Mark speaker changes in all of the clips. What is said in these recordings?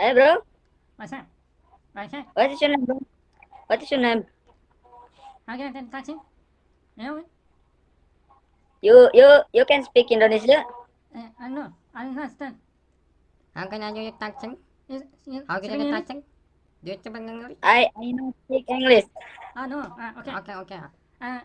Speaker 1: Hey bro,
Speaker 2: What's up? What's up?
Speaker 1: what is your name, bro? What is your name?
Speaker 2: How can I take taxi? You know,
Speaker 1: You can speak Indonesia?
Speaker 2: I know. I understand.
Speaker 3: How can I do your taxi? How can I
Speaker 2: Speaking
Speaker 3: do
Speaker 2: English?
Speaker 3: taxi? Do you speak English?
Speaker 1: I know speak English.
Speaker 2: Ah, no. Okay.
Speaker 3: Okay.
Speaker 2: Uh,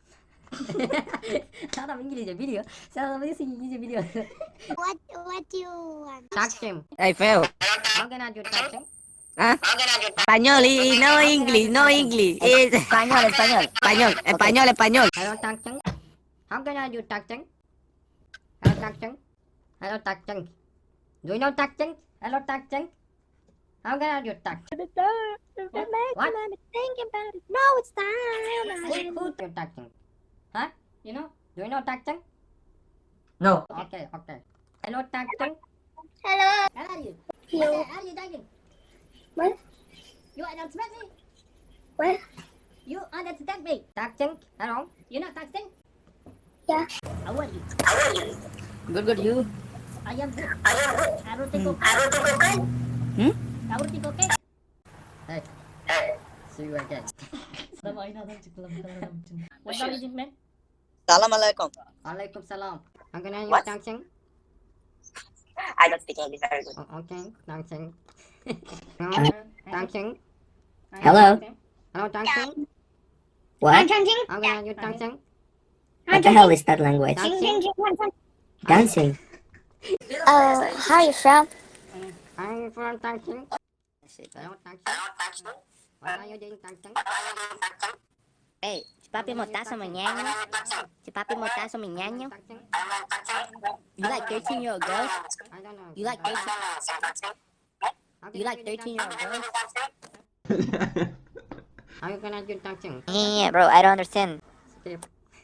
Speaker 2: 사람 İngilizce biliyor. Sen adamı nasıl İngilizce biliyor?
Speaker 4: What do you want?
Speaker 3: Taxi.
Speaker 5: Hey, Phil.
Speaker 3: How can I do taxi?
Speaker 5: Huh? Español y no English, no English.
Speaker 1: Español, español.
Speaker 5: Español, español, español.
Speaker 3: Hello taxi. How can I do taxi? Hello taxi. Hello taxi. Do you know taxi? Hello taxi. How can I do taxi? What?
Speaker 4: Think about it. No, it's time.
Speaker 3: Who do taxi? Huh?
Speaker 2: You know?
Speaker 3: Do you know taxi?
Speaker 1: No.
Speaker 3: Okay. Hello taxi.
Speaker 4: Hello.
Speaker 2: How are you?
Speaker 4: You.
Speaker 2: How are you doing?
Speaker 4: What?
Speaker 2: You understand me?
Speaker 4: What?
Speaker 2: You understand me?
Speaker 3: Taxi. Hello.
Speaker 2: You know taxi?
Speaker 4: Yeah.
Speaker 2: How are you?
Speaker 1: Good, you.
Speaker 2: I am good. Everything okay?
Speaker 1: Hmm?
Speaker 2: Everything okay?
Speaker 3: Hey. See you again.
Speaker 2: Adam aynı adam çıktı lan. Bu kadar adam için. What are you doing, man?
Speaker 5: Assalamualaikum.
Speaker 3: Alaikum salam. How can I do
Speaker 5: What?
Speaker 3: taxi?
Speaker 5: I don't speak English very good.
Speaker 3: Okay. Taxi.
Speaker 2: Uh,
Speaker 3: Taxi.
Speaker 1: Hello.
Speaker 3: Hello taxi.
Speaker 1: What?
Speaker 3: How can I do taxi?
Speaker 1: What the hell is that language?
Speaker 3: Taxi.
Speaker 1: Dancing.
Speaker 4: How you from?
Speaker 3: I'm from taxi. Hello taxi. What are you doing taxi?
Speaker 6: Ê, chị papi một tá xong rồi nhan nhá. Chị papi một tá xong rồi nhan nhá. You like 13-year-old girls?
Speaker 3: I don't know.
Speaker 6: You like 13?
Speaker 3: How can
Speaker 6: You
Speaker 3: I
Speaker 6: like
Speaker 3: do
Speaker 6: 13-year-old
Speaker 3: taxi?
Speaker 6: girls?
Speaker 3: How can I do taxi?
Speaker 6: Yeah, bro, I don't understand.
Speaker 3: Skip.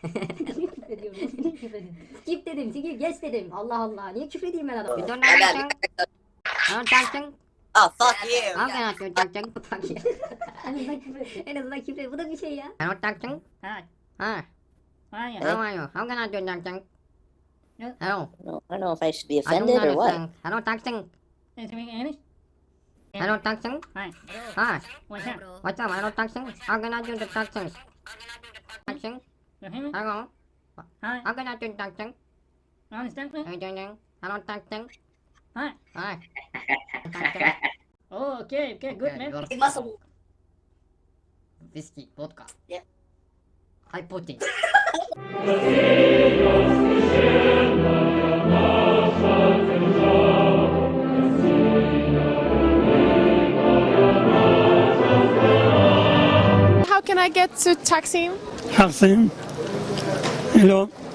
Speaker 2: Skip dedim, skip yes dedim. Allah Allah. Niye küfür edeyim ben adama?
Speaker 3: You don't know taxi? Hello taxi.
Speaker 5: Oh, fuck you.
Speaker 3: How can I do taxi?
Speaker 2: Fuck ya. En azından küfür et. En azından küfür et. Bu da bir şey ya.
Speaker 3: Hello taxi.
Speaker 2: Ha.
Speaker 3: Hi.
Speaker 2: Ha ya.
Speaker 3: How are you? How can I do taxi?
Speaker 2: No.
Speaker 3: Hello.
Speaker 1: No, I don't know if I should be
Speaker 3: I don't
Speaker 1: offended or what.
Speaker 3: understand. Hello taxi.
Speaker 2: Speaking English?
Speaker 3: Hello taxi.
Speaker 2: Hi.
Speaker 3: Hi.
Speaker 2: What's up?
Speaker 3: What's up? Hello taxi. How can I do the taxi? Taxi.
Speaker 2: You hear me?
Speaker 3: Hello.
Speaker 2: Hi.
Speaker 3: How can I do taxi?
Speaker 2: You understand me?
Speaker 3: Hello taxi.
Speaker 2: Hi.
Speaker 3: Hi.
Speaker 2: Oh, okay, good man.
Speaker 3: Whiskey, vodka.
Speaker 1: Yeah.
Speaker 3: High protein.
Speaker 7: How can I get to Taksim?
Speaker 8: Taksim. Hello.